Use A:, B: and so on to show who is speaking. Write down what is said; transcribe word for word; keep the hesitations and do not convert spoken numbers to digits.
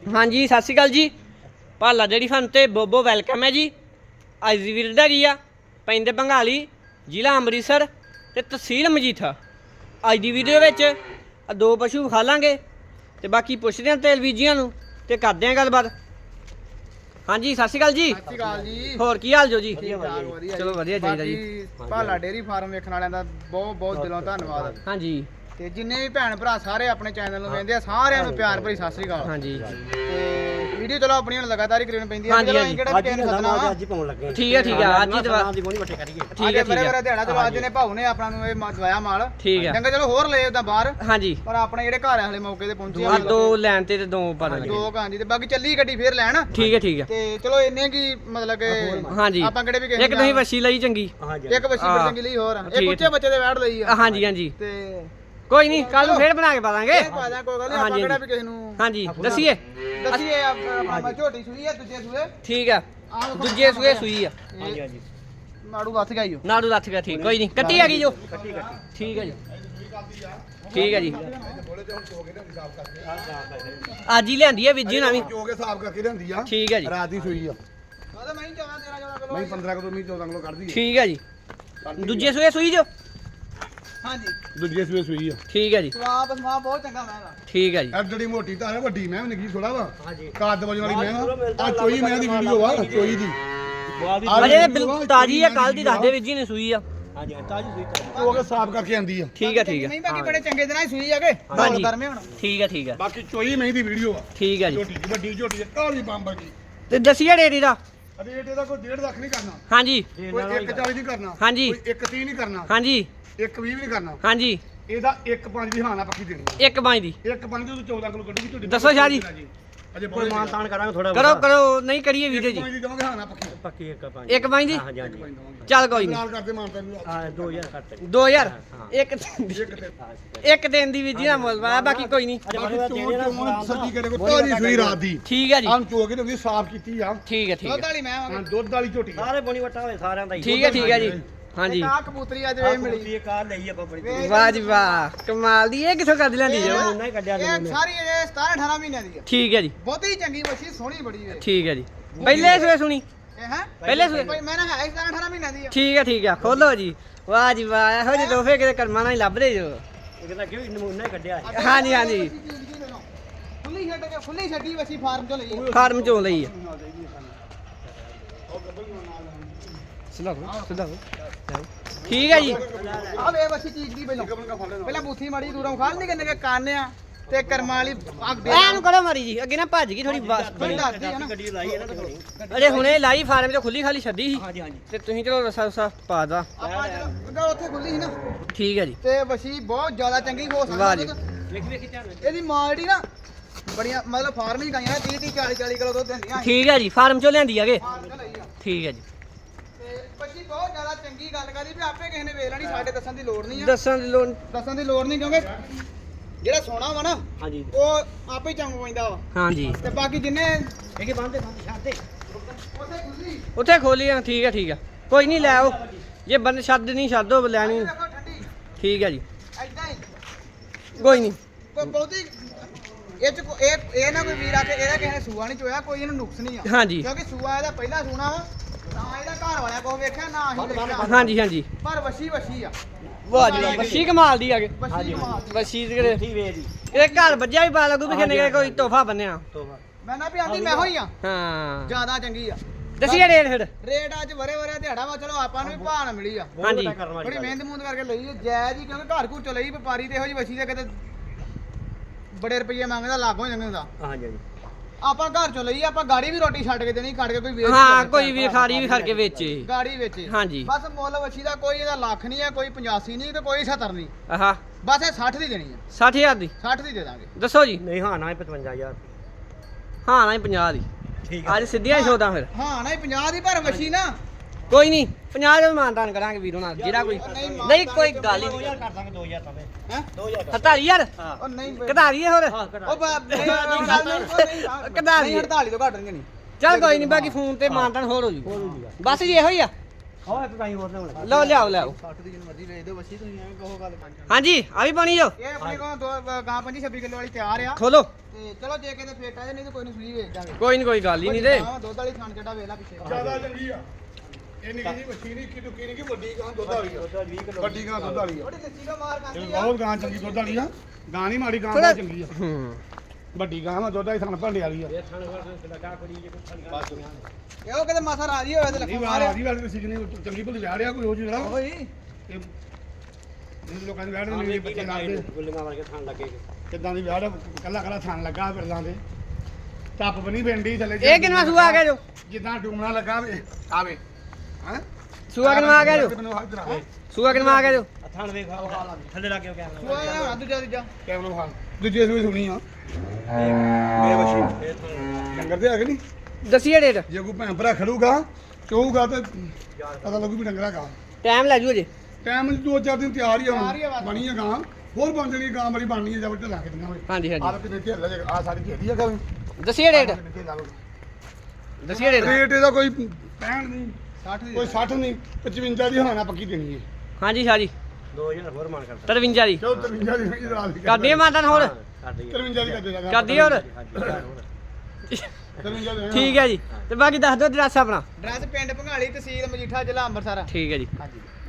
A: हाँ जी सत श्री अकाल जी। भाला डेयरी फार्म ते बोबो वैलकम है जी। अज दी वीडियो हैगी आ पिंड बंगाली जिला अमृतसर ते तहसील मजीठा। अज दी वीडियो विच दो पशु विखा लांगे ते बाकी पुछदे हां तेल बीजियां नूं ते करदे हां गलबात। हाँ जी सत श्री अकाल जी।
B: सत श्री अकाल जी।
A: होर की हाल जो जी?
B: चलो
A: वधिया चाहिदा जी।
B: भाला डेयरी फार्म वेखण वालिਆਂ ਦਾ ਬਹੁਤ ਬਹੁਤ ਦਿਲੋਂ ਧੰਨਵਾਦ।
A: हाँ जी
B: ਤੇ ਜਿੰਨੇ ਵੀ ਭੈਣ ਭਰਾ ਸਾਰੇ ਆਪਣੇ ਚੈਨਲ ਨੂੰ ਵੇਖਦੇ ਆ ਸਾਰਿਆਂ ਨੂੰ ਪਿਆਰ ਭਰੀ ਸਤਿ ਸ੍ਰੀ ਅਕਾਲ।
A: हाँ जी
B: ਤੇ ਵੀਡੀਓ ਚਲੋ ਆਪਣੀ ਹੁਣ ਲਗਾਤਾਰ ਹੀ ਕਰੀਣ ਪੈਂਦੀ ਆ।
A: ਹਾਂਜੀ,
B: ਚਲੋ
A: ਹਾਂਜੀ।
B: ਅਸੀਂ ਕਿਹੜਾ ਕਿਸੇ ਨੂੰ ਸੱਦਣਾ ਵਾ।
C: ਅੱਜ ਹੀ ਪਾਉਣ ਲੱਗੇ
A: ठीक है ठीक है आज ही दवा
C: ਦੀ ਬੋਣੀ ਵੱਟੇ ਕਰੀਏ
A: ठीक
B: ਅੱਜ
A: है ठीक
B: ਬਰੇ
A: है
B: ਬਰੇ ਦਿਹਾੜਾ ਚਲੋ ਅੱਜ ਨੇ ਭਾਊ ਨੇ ਆਪਣਾ ਨੂੰ ਇਹ ਮ- ਦਵਾਇਆ ਮਾਲ
A: ठीक है
B: ਚੰਗਾ ਚਲੋ ਹੋਰ ਲੈ ਉਹਦਾ ਬਾਹਰ
A: हाँ जी
B: ਪਰ ਆਪਣੇ ਜਿਹੜੇ ਘਰ ਹਲੇ ਮੌਕੇ ਤੇ ਪਹੁੰਚੇ
A: आ दो लैन ते ते दो पर
B: ਦੋ ਕਾਂਜੀ ਤੇ ਬਾਕੀ ਚੱਲੀ ਗੱਡੀ ਫੇਰ ਲੈਣ
A: ठीक है ठीक है
B: ਤੇ ਚਲੋ ਇੰਨੇ ਕੀ ਮਤਲਬ ਕਿ
A: हाँ जी
B: ਆਪਾਂ ਕਿਹੜੇ ਵੀ ਕਿਸੇ
A: एक तुसीं वसी लई चंगी
C: ਹਾਂਜੀ
B: ਇੱਕ ਬੱਚੀ ਬੜੀ ਚੰਗੀ ਲਈ ਹੋਰ ਆ।
A: ਠੀਕ
B: ਇੱਕ
A: ਹੈ,
B: ਉੱਚੇ ਬੱਚੇ ਦੇ ਵੈੜ ਲਈ ਆ
A: हाँ जी हाँ जी
B: ਤੇ
A: कोई नहीं कल नूं फिर बना के पा दांगे।
B: ਇਹ ਪਾ ਦਿਆਂ ਕੋਈ ਗੱਲ ਨਹੀਂ
A: हाँ
B: ਆਪਾਂ
A: जी
B: ਕਿਹੜਾ ਵੀ ਕਿਸੇ ਨੂੰ
A: हाँ जी दसिए
B: ਦੱਸੀਏ ਆਪਾਂ ਝੋਟੀ ਸੂਈ ਆ ਦੂਜੇ ਸੂਏ
A: ठीक है दूजे सूए सुई आ
C: ਹਾਂਜੀ ਹਾਂਜੀ
B: ਮਾੜੂ ਹੱਥ ਗਾਈਓ
A: नाड़ू लथ गया ठीक कोई नहीं कट्टी आ गई जो
C: ਕੱਟੀ ਕੱਟੀ
A: ठीक है जी ठीक है जी आज ही लियांदी है विजी ना भी
D: ਜੋ ਕੇ ਹਿਸਾਬ ਕਰਕੇ ਲਿਆਂਦੀ ਆ
A: ठीक है जी
D: ਰਾਤ ਦੀ ਸੂਈ ਆ
B: ਉਹਦਾ ਮੈਂ ਚੌਦਾਂ ਤੇਰਾਂ ਚੌਦਾਂ ਕਿਲੋ
D: ਮੈਂ ਪੰਦਰਾਂ ਕਿਲੋ ਮੀ ਚੌਦਾਂ ਕਿਲੋ ਕੱਢਦੀ ਆ
A: ठीक है जी दूजे सूए सुई जो
B: ਹਾਂਜੀ
D: ਦੂਜੇ ਸੂਏ ਸੂਈ ਆ
A: ठीक है जी
B: ਸਵਾਪ ਸਮਾ ਬਹੁਤ ਚੰਗਾ ਮੈਂ ਦਾ
A: ठीक है जी
D: ਐ ਜਿਹੜੀ ਮੋਟੀ ਤਾਂ ਹੈ ਵੱਡੀ ਮੈਂ ਨਿੱਕੀ ਥੋੜਾ ਵਾ
C: ਹਾਂਜੀ
D: ਕਾਦ ਵਜਣ ਵਾਲੀ ਮੈਂ ਆ ਚੋਈ ਮੈਂ ਦੀ ਵੀਡੀਓ ਵਾ ਚੋਈ ਦੀ
C: ਬਾਲ ਦੀ
D: ਆ
A: अरे बिल्कुल ताजी है कल दी दस दे विजी ने सुई आ
C: ਹਾਂਜੀ ਤਾਜੀ ਸੂਈ
D: ਜੋ ਕੇ ਸਾਫ਼ ਕਰਕੇ ਆਂਦੀ ਆ
A: ठीक है ठीक है
B: ਨਹੀਂ ਬਾਕੀ ਬੜੇ ਚੰਗੇ ਦਿਨਾਂ ਹੀ ਸੂਈ ਜਾਗੇ
A: ਹਾਂਜੀ।
B: ਢੋਲ ਕਰਮੇ ਹੁਣ
A: ठीक है ठीक है
D: ਬਾਕੀ ਚੋਈ ਮੈਂ ਦੀ ਵੀਡੀਓ ਆ
A: ठीक है जी
D: ਝੋਟੀ ਦੀ ਵੱਡੀ ਝੋਟੀ ਦੀ ਕਾਲੀ ਬੰਬਰ ਦੀ
A: ਤੇ ਦਸੀਏ ਡੇਰੀ ਦਾ
D: ਰੇਟ ਇਹਦਾ ਕੋਈ ਡੇਢ ਲੱਖ ਨਹੀਂ ਕਰਨਾ
A: हाँ जी
D: ਕੋਈ ਇੱਕ ਚਾਲੀ ਨਹੀਂ ਕਰਨਾ
A: ਹਾਂਜੀ।
D: ਕੋਈ ਇੱਕ ਤੀਹ ਨਹੀਂ ਕਰਨਾ
A: हाँ जी
D: ਇੱਕ ਵੀਹ ਵੀ ਨਹੀਂ ਕਰਨਾ
A: हाँ जी
D: ਇਹਦਾ ਇੱਕ ਪੰਜ ਦੀ ਹਾਨਾ ਪੱਕੀ ਦੇਣੀ ਆ।
A: एक बाई दी
D: ਇੱਕ ਪੰਜ ਦੀ ਚੌਦਾਂ ਕਿਲੋ ਕੱਢੂਗੀ ਝੋਟੀ
A: ਦੱਸੋ ਸ਼ਾਹ ਜੀ।
D: ਅਜੇ
C: ਕੋਈ ਮਾਨ ਤਾਨ ਕਰਾਂਗੇ ਥੋੜਾ
A: करो करो नहीं करिए वीडियो जी
D: ਪੰਜ ਦੀ ਦਵਾਂਗੇ ਹਾਨਾ ਪੱਕੀ
C: ਪੱਕੀ ਇੱਕ ਪੰਜ
A: एक बाई दी
C: ਹਾਂਜੀ ਹਾਂਜੀ
A: चल कोई नहीं
D: ਨਾਲ ਕਰਦੇ ਮਾਨਤਾ ਨੂੰ
C: ਆ ਦੋ ਹਜ਼ਾਰ ਕੱਟ
A: दो हजार
C: हाँ।
A: एक एक दिन दी विजी ना मुल बाकी कोई नहीं
D: ਬਾਕੀ ਚੋਣ ਚੋਣ ਸੱਜੀ ਕਰੇ ਕੋ ਤਾਜੀ ਸੂਈ ਰਾਤ ਦੀ
A: ठीक है जी
D: ਆਮ ਚੋ ਕੇ ਤੇ ਉਹਦੀ ਸਾਫ਼ ਕੀਤੀ ਆ
A: ठीक है ठीक
B: ਦੁੱਧ
A: है
B: ਵਾਲੀ ਮੈਂ
D: ਹਾਂ
B: ਆਵਾਂਗੇ
D: ਦੁੱਧ ਵਾਲੀ ਝੋਟੀ ਆ।
C: ਸਾਰੇ ਬੋਣੀ ਵੱਟਾ ਹੋਏ ਸਾਰਿਆਂ ਦਾ ਹੀ
A: ठीक है ठीक है जी हाँ जी
B: ਆ ਕਬੂਤਰੀ ਅੱਜ ਵੇ ਮਿਲੀ
C: ਇਹ ਕਾਰ ਲਈ ਆਪਾਂ ਬੜੀ
B: ਵੇ-
A: वाह जी वाह कमाल दी ये किथों कर लेंदी जो
C: ਉਹਨਾਂ ਹੀ ਕੱਢਿਆ
B: ਇਹ ਸਾਰੀ ਇਹ ਸਤਾਰਾਂ ਅਠਾਰਾਂ ਮਹੀਨਿਆਂ ਦੀ ਆ
A: ठीक है जी
B: ਬਹੁਤੀ ਚੰਗੀ ਬੱਚੀ ਸੋਹਣੀ ਬੜੀ ਵੇ
A: ठीक है जी पहले सुए सुनी
B: ਇਹ ਹੈ
A: पहले सुए
B: ਕੋਈ ਮੈਂ ਨਾ ਹੈ ਸਤਾਰਾਂ ਅਠਾਰਾਂ ਮਹੀਨਿਆਂ ਦੀ ਆ
A: ठीक है ठीक है खोलो जी वाह जी वाह ਇਹੋ ਜਿਹੇ ਤੋਹਫੇ ਕਿਤੇ ਕਰਮਾਂ ਨਾਲ ਹੀ ਲੱਭਦੇ ਜੋ
C: ਇਹ ਕਹਿੰਦਾ ਕਿ ਨਮੂਨਾ ਹੀ ਕੱਢਿਆ
A: हाँ जी हाँ जी
B: ਫੁੱਲੀ ਛੱਡ ਕੇ ਫੁੱਲੀ ਛੱਡੀ ਬੱਚੀ ਫਾਰਮ ਚੋਂ ਲਈ ਆ।
A: फार्म चों ਲਈ ਆ ਸੁਣਾਓ ਸੁਣਾਓ ਠੀਕ ਹੈ ਜੀ
B: ਆ ਵੇ ਬੱਚੀ ਚੀਜ਼ ਦੀ ਪਹਿਲਾਂ ਪਹਿਲਾਂ ਬੂਥੀ ਮਾੜੀ ਦੂਰੋਂ ਖਾਲ ਨਹੀਂ ਕਿੰਨੇ ਕੇ ਕਾਨੇ ਆ ਤੇ ਕਰਮਾਂ ਵਾਲੀ ਅੱਗ ਦੇ
A: ਐਨ ਕਰੋ ਮਾਰੀ ਜੀ ਅੱਗੇ ਨਾ ਭੱਜ ਗਈ ਥੋੜੀ ਬਸ
B: ਥੋੜੀ ਦੱਸਦੀ ਆ ਨਾ
C: ਗੱਡੀ ਲਾਈ ਇਹਨਾਂ ਤੇ ਬਣੀ
A: ਅਜੇ ਹੁਣੇ ਲਾਈ ਫਾਰਮ ਚੋਂ ਖੁੱਲੀ ਖਾਲੀ ਛੱਡੀ ਸੀ
C: ਹਾਂਜੀ ਹਾਂਜੀ
A: ਤੇ ਤੁਸੀਂ ਚਲੋ ਰਸਾ ਰਸਾ ਪਾ ਦਾ
B: ਆਪਾਂ ਜਦੋਂ ਉੱਥੇ ਖੁੱਲੀ ਸੀ ਨਾ
A: ਠੀਕ ਹੈ ਜੀ
B: ਤੇ ਬੱਚੀ ਬਹੁਤ ਜ਼ਿਆਦਾ ਚੰਗੀ ਹੋ
A: ਵਾਹ
B: ਸਕਦੀ
A: ਜੀ।
B: ਦੁੱਧ।
C: ਵੇਖ ਵੇਖ ਧਿਆਨ
B: ਇਹਦੀ ਮਾਂ ਜਿਹੜੀ ਨਾ ਬੜੀਆਂ ਮਤਲਬ ਫਾਰਮ ਹੀ ਗਾਈਆਂ ਤੀਹ ਤੀਹ ਚਾਲੀ ਚਾਲੀ ਕਿਲੋ ਦੁੱਧ ਦਿੰਦੀਆਂ
A: ਠੀਕ ਹੈ ਜੀ ਫਾਰਮ ਚੋਂ ਲਿਆਂਦੀ ਆਗੇ
B: ਫਾਰਮ ਚੋਂ ਲਈ ਆ
A: ਠੀਕ ਹੈ ਜੀ
B: ਤੇ ਬੱਚੀ ਬਹੁਤ ਜ਼ਿਆਦਾ ਚੰਗੀ ਗੱਲ ਕਰੀ ਵੀ ਆਪੇ ਕਿਸੇ ਨੇ ਵੇਖ ਲੈਣੀ ਸਾਡੇ ਦੱਸਣ ਦੀ ਲੋੜ ਨਹੀਂ ਆ
A: ਦੱਸਣ ਦੀ ਲੋੜ
B: ਦੱਸਣ ਦੀ ਲੋੜ ਨਹੀਂ ਕਿਉਂਕਿ ਜਿਹੜਾ ਸੋਨਾ ਵਾ ਨਾ
C: ਹਾਂਜੀ
B: ਉਹ ਆਪੇ ਚੰਗ ਪੈਂਦਾ ਵਾ
A: ਹਾਂ ਜੀ
B: ਤੇ ਬਾਕੀ ਜਿੰਨੇ
C: ਇਹ ਕੀ ਬੰਦੇ ਬੰਦੇ ਛੱਡਦੇ
B: ਉੱਥੇ ਖੁੱਲੀ
A: ਉੱਥੇ ਖੋਲੀ ਆ ਠੀਕ ਹੈ ਠੀਕ ਹੈ ਕੋਈ ਨਹੀਂ ਲੈ ਆਓ ਜੇ ਬੰਦ ਛੱਡ ਨਹੀਂ ਛੱਡੋ ਲੈਣੀ
B: ਵੇਖੋ ਠੰਡੀ
A: ਠੀਕ ਹੈ ਜੀ
B: ਐਦਾਂ ਹੀ
A: ਕੋਈ ਨਹੀਂ
B: ਕੋਈ ਬਹੁਤੀ ਇਹ ਚ ਕੋ- ਇਹ ਇਹ ਨਾ ਕੋਈ ਵੀਰ ਆ ਕੇ ਇਹਦਾ ਕਿਸੇ ਨੇ ਸੂਆ ਨਹੀਂ ਚੋਇਆ ਕੋਈ ਇਹਨੂੰ ਨੁਕਸ ਨਹੀਂ ਆ
A: ਹਾਂ ਜੀ
B: ਕਿਉਂਕਿ ਸੂਆ ਇਹਦਾ ਪਹਿਲਾ ਸੂਣਾ ਵਾ ਨਾ ਇਹਦਾ ਘਰ ਵਾਲਿਆਂ ਕੋਲ ਵੇਖਿਆ ਨਾ ਅਸੀਂ ਵੇਖਿਆ
A: ਹਾਂ ਜੀ ਹਾਂ ਜੀ
B: ਪਰ ਵਸ਼ੀ ਵਸ਼ੀ ਆ
A: ਵਾਹ ਜੀ ਵਾਹ ਬੱਛੀ ਕਮਾਲ ਦੀ ਆਗੇ
B: ਵਸ਼ੀ ਕਮਾਲ ਦੀ।
A: ਬੱਛੀ ਦੇ ਕਿਤੇ
C: ਠੀਕ ਵੇ ਦੀ
A: ਇਹ ਘਰ ਵੱਜਿਆ ਵੀ ਪਾ ਲੱਗੂ ਵੀ ਕਿੰਨੇ ਕੁ ਕੋਈ ਤੋਹਫਾ ਬੰਨਿਆ
C: ਤੋਬਾ
B: ਮੈਂ ਨਾ ਵੀ ਆਂਦੀ ਮੈਂ ਹੋਈ ਆ
A: ਹਾਂ
B: ਜ਼ਿਆਦਾ ਚੰਗੀ ਆ
A: ਦਸੀਏ ਰੇਟ ਫਿਰ
B: ਰੇਟ ਅੱਜ ਵਰੇ ਵਰੇ ਦਿਹਾੜਾ ਵਾ ਚਲੋ ਆਪਾਂ ਨੂੰ ਵੀ ਭਾਅ ਨਾ ਮਿਲੀ ਆ
A: ਹਾਂਜੀ।
B: ਬੜੀ ਮਿਹਨਤ ਮੂਹਨਤ ਕਰਕੇ ਲਈ ਆ, ਜਾਇਜ਼ ਹੀ ਕਿਉਂਕਿ ਘਰ ਘੂਰ ਚ ਲਈ ਵਪਾਰੀ ਤੇ ਇਹੋ ਜਿਹੀ ਵਸ਼ੀ ਦੇ ਕਿਤੇ ਬੜੇ ਰੁਪਏ ਮੰਗਦਾ ਲਾਗੋਂ ਜਾਂਦੇ ਹੁੰਦਾ
C: ਹਾਂਜੀ ਹਾਂਜੀ
B: ਆਪਾਂ ਘਰ ਚੋਂ ਲਈ ਆਪਾਂ ਗਾੜੀ ਵੀ ਰੋਟੀ ਛੱਡ ਕੇ ਦੇਣੀ ਕੱਢ ਕੇ ਕੋਈ ਵੇਚ
A: ਹਾਂ
B: ਨਹੀਂ
A: ਕੋਈ
B: ਸਕਦਾ।
A: ਵੀ ਖਾਰੀ ਵੀ ਖੜ ਕੇ ਵੇਚੇ
B: ਗਾੜੀ ਵੇਚੇ
A: ਹਾਂਜੀ
B: ਬਸ ਮੁੱਲ ਵਸ਼ੀ ਦਾ ਕੋਈ ਇਹਦਾ ਲੱਖ ਨਹੀਂ ਹੈ ਕੋਈ ਪਚਾਸੀ ਨਹੀਂ ਤੇ ਕੋਈ ਸੱਤਰ ਨਹੀਂ
A: ਆਹਾ
B: ਬਸ ਇਹ ਸੱਠ ਦੀ ਦੇਣੀ ਆ
A: ਸੱਠ ਹਜ਼ਾਰ ਦੀ
B: ਸੱਠ ਦੀ ਦੇ ਦਾਂਗੇ
A: ਦੱਸੋ ਜੀ
C: ਨਹੀਂ ਹਾਂ ਨਾ ਇਹ ਪਚਵੰਜਾ ਹਜ਼ਾਰ
A: ਹਾਂ ਨਾ ਪੰਜਾਹ ਦੀ
C: ਠੀਕ
A: ਅੱਜ ਸਿੱਧੀਆਂ ਹੀ ਸੌਦਾ ਫਿਰ
B: ਹਾਂ ਨਹੀਂ ਪੰਜਾਹ ਦੀ ਪਰ ਵਸ਼ੀ ਨਾ
A: ਕੋਈ ਨਹੀਂ ਪੰਜਾਹ ਦਾ ਮਾਨਦਾਨ ਕਰਾਂਗੇ ਵੀਰੋ ਨਾਲ ਜਿਹੜਾ ਕੋਈ ਨਹੀਂ ਕੋਈ ਗੱਲ ਹੀ
C: ਦੋ
A: ਨਹੀਂ
C: ਹਜ਼ਾਰ ਕਰ ਦਾਂਗੇ ਦੋ ਹਜ਼ਾਰ ਤਾਂ
B: ਹੈ
C: ਦੋ ਹਜ਼ਾਰ ਕਰ
A: ਹਤਾਲੀ ਯਾਰ
C: ਹਾਂ
B: ਉਹ ਨਹੀਂ
A: ਕਢਾਰੀਏ ਹੋਰ
C: ਹਾਂ
B: ਉਹ ਬਾ- ਨਹੀਂ, ਉਹ ਗੱਲ ਨਹੀਂ, ਉਹ ਨਹੀਂ,
A: ਕਢਾ
B: ਨਹੀਂ
A: ਲਈਏ।
B: ਅੜਤਾਲੀ ਤੋਂ ਘੱਟ ਨਹੀਂ
A: ਚੱਲ ਕੋਈ ਨਹੀਂ ਬਾਕੀ ਫੋਨ ਤੇ ਮਾਨਦਾਨ ਹੋਰ ਹੋ ਜੂ ਬਸ ਜੀ ਇਹੋ ਹੀ ਆ
C: ਆਹ ਇੱਕ ਗਾਈ ਹੋਰ ਲਿਆਉਣ ਲੱਗਾ
A: ਲਓ ਲਿਆਓ ਲਿਆਓ
B: ਸੱਠ ਦੀ ਜਿੰਨੀ ਮਰਜ਼ੀ ਵੇਚ ਦਿਓ ਵਸੀ ਤੁਸੀਂ ਐਵੇਂ ਕਹੋ ਗੱਲ
A: ਹਾਂਜੀ ਆ ਵੀ ਪਾਣੀ ਜੋ
B: ਇਹ ਆਪਣੇ ਕੋਲ ਦੋ ਗਾਂ ਪੰਜੀ ਛੱਬੀ ਕਿਲੋ ਵਾਲੀ ਤਿਆਰ ਆ
A: ਖੋਲੋ
B: ਤੇ ਚਲੋ ਜੇ ਕਿਤੇ ਫੇਟ ਆ ਜੇ ਨਹੀਂ ਤਾਂ ਕੋਈ ਨਹੀਂ ਸੂਈ ਵੇਚ ਦਾਂਗੇ
A: ਕੋਈ ਨਹੀਂ ਕੋਈ ਗੱਲ ਹੀ ਨਹੀਂ ਤੇ
B: ਗਾਂ ਦੁੱਧ ਵਾਲੀ ਖਾਣ ਚੱਡਾ ਵੇਖ ਲੈ ਪਿੱਛੇ
D: ਜ਼ਿਆਦਾ ਚੰਗੀ ਆ ਇਹ ਨਿੱਕੀ ਜੀ ਮੱਛੀ ਨਹੀਂ ਕਿ ਟੁੱਕੀ ਨਹੀਂ ਕਿ ਵੱਡੀ ਗਾਂ ਦੁੱਧ ਵਾਲੀ ਆ
C: ਵੀਹ ਕਿਲੋ
D: ਵੱਡੀ ਗਾਂ ਦੁੱਧ ਵਾਲੀ ਆ
B: ਥੋੜੀ ਲੱਸੀ ਦਾ ਮਾਰ
D: ਇਹ
B: ਕਰਦੀ ਆ
D: ਬਹੁਤ ਗਾਂ ਚੰਗੀ ਦੁੱਧ ਵਾਲੀ ਆ ਗਾਂ ਨਹੀਂ ਮਾੜੀ ਗਾਂ
A: ਥੋੜਾ
D: ਬਹੁਤ ਚੰਗੀ ਆ
A: ਹੂੰ
D: ਵੱਡੀ ਗਾਂ ਵਾ ਦੁੱਧ ਵਾਲੀ ਥਣ ਭਾਂਡੇ ਵਾਲੀ ਆ
C: ਇਹ ਥਣ ਵਰ ਲਗਾ ਕੁੜੀ ਜੇ ਕੋਈ ਥਣ
B: ਇਹ ਉਹ ਕਿਤੇ ਮਾਸਾ ਰਾਜੀ ਹੋਵੇ ਤੇ
D: ਨਹੀਂ
B: ਲੱਖਾਂ
D: ਵਾਰ
B: ਮਾਰਿਆ
D: ਆਦੀ ਵਾਲੀ ਸੀ ਨਹੀਂ ਚੰਗੀ ਭਲੀ ਵਿਆਹ ਰਿਆ ਕੋਈ ਹੋ ਜਿਹੜਾ
B: ਓਏ
D: ਇਹ ਇਹ ਲੋਕਾਂ ਦੇ ਵਿਆਹ ਦੇ ਨਹੀਂ ਬੱਚੇ ਲੱਗਦੇ
C: ਗੁੱਲੀਆਂ ਵਰਗੇ ਥਣ ਲੱਗੇ
D: ਕਿੱਦਾਂ ਦੀ ਵਿਆਹ ਦਾ ਕੱਲਾ ਕੱਲਾ ਥਣ ਲੱਗਾ ਫਿਰਲਾਂ ਦੇ ਟੱਪ ਬਣੀ ਪਿੰਡੀ ਥੱਲੇ
A: ਇਹ ਕਿੰਨਾ ਸੂਆ ਆ ਗਿਆ ਜੋ
D: ਜਿੱਦਾਂ ਡੂਮਣਾ ਲੱਗਾ ਵੇ ਆਵੇ ਹਾਂ
A: ਸੂਆ ਕਿੰਨਾ ਆ ਗਿਆ ਜੋ
D: ਮੈਨੂੰ ਹੱਥ ਰੱਖ
A: ਸੂਆ ਕਿੰਨਾ ਆ ਗਿਆ ਜੋ
C: ਆ ਥਣ ਵੇਖ ਥੱਲੇ ਲੱਗ ਗਿਆ ਕੈਮਰਾ
B: ਉਹ ਇਹ ਦੂਜਾ ਦੂਜਾ
D: ਕੈਮਰਾ ਵਿਖਾ ਦੂਜੇ ਸੂਈ ਸੁਣੀ ਆ ਮੇਰੇ ਬੱਚੀ
C: ਇਹ ਥਣ
D: ਡੰਗਰ ਦੇ ਹੈਗੇ ਨਹੀਂ
A: ਦੱਸੀਏ ਡੇਟ
D: ਜੇ ਕੋਈ ਭੈਣ ਭਰਾ ਖੜੂਗਾ ਚੋਊਗਾ ਤੇ ਪਤਾ ਲੱਗੂ ਵੀ ਡੰਗਰਾ ਗਾਂ
A: ਟਾਈਮ ਲੈ ਜੂ ਅਜੇ
D: ਟਾਈਮ ਦੋ ਚਾਰ ਦਿਨ ਤਿਆਰ ਹੀ
B: ਤਿਆਰ ਹੀ ਆ
D: ਆ
B: ਬਸ।
D: ਬਣੀ ਆ ਗਾਂ ਹੋਰ ਬਣ ਜਣੀ ਗਾਂ ਬੜੀ ਬਣਨੀ ਆ ਜਦ ਢਲਾ ਕੇ ਦਿੰਗਾ ਵੇ
A: ਹਾਂਜੀ ਹਾਂਜੀ
D: ਆਹ ਕਿਤੇ ਢੇਰ ਲੈ ਆ ਸਾਰੀ ਢੇਰੀ ਆ ਕਵੇਂ
A: ਦੱਸੀਏ ਡੇਟ ਦੱਸੀਏ ਡੇਟ
D: ਰੇਟ ਇਹਦਾ ਕੋਈ ਪੈਂਹਠ ਨਹੀਂ
B: ਸੱਠ ਦੀ
D: ਕੋਈ ਸੱਠ ਨਹੀਂ ਪਚਵੰਜਾ ਦੀ ਹੋਣਾ ਪੱਕੀ ਦੇਣੀ ਹੈ
A: ਹਾਂਜੀ ਹਾਂਜੀ
C: ਦੋ ਹਜ਼ਾਰ ਹੋਰ ਮਾਨ ਕਰਦਾ
A: ਤਰਵੰਜਾ ਦੀ
D: ਕਿਉਂ ਤਰਵੰਜਾ ਦੀ ਨਹੀਂ ਰਾਤ ਦੀ
A: ਕਰਦੀ ਮਾਤਾ ਹੋਰ
C: ਕਰਦੀ ਹੈ
D: ਤਰਵੰਜਾ ਦੀ ਕਰਦੇ ਲਗਾ
A: ਕਰਦੀ ਹੋਰ
D: ਤਰਵੰਜਾ ਦੀ
A: ਠੀਕ ਹੈ ਜੀ ਤੇ ਬਾਕੀ ਦੱਸ ਦਿਓ ਐਡਰੈਸ ਆਪਣਾ
B: ਡਰੈਸ ਪਿੰਡ ਭੰਗਾਲੀ ਤਹਿਸੀਲ ਮਜੀਠਾ ਜ਼ਿਲ੍ਹਾ ਅੰਮ੍ਰਿਤਸਰ
A: ਠੀਕ ਹੈ ਜੀ
B: ਹਾਂਜੀ